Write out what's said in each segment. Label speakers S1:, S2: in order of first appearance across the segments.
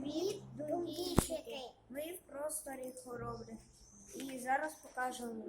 S1: Привіт, дослідники! Ми в просторі хоробрих. І зараз покажемо.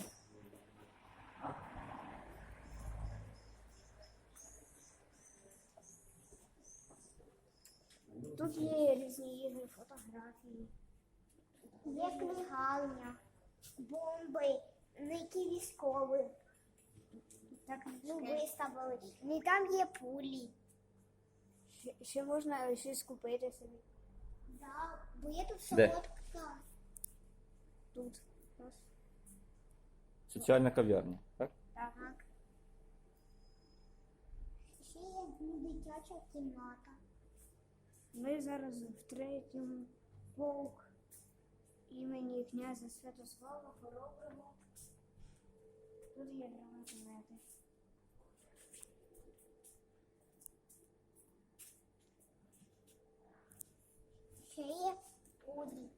S1: Тут є різні ігри, фотографії. Є книгарня, бомби, які військові. Так виставили. І там є пулі. Ще можна щось купити собі.
S2: Да, бо є тут
S3: Де?
S2: солодка.
S1: Тут.
S3: Соціальна кав'ярня, так?
S1: Так.
S2: Ще є дитяча кімната.
S1: Ми зараз в третьому полк імені князя Святослава Хороброго. Тут є гранатомети.
S2: Ще є пулі.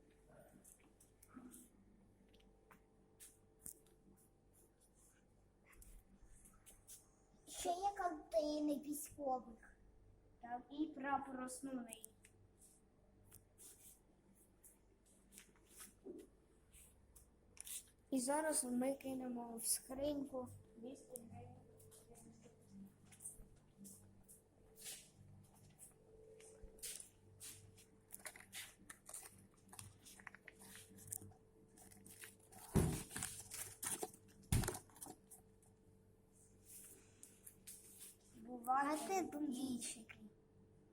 S2: Ще є картини військових.
S1: Так, і прапор основний. І зараз ми кинемо в скриньку 200 гривень.
S2: А ти бомбійчик.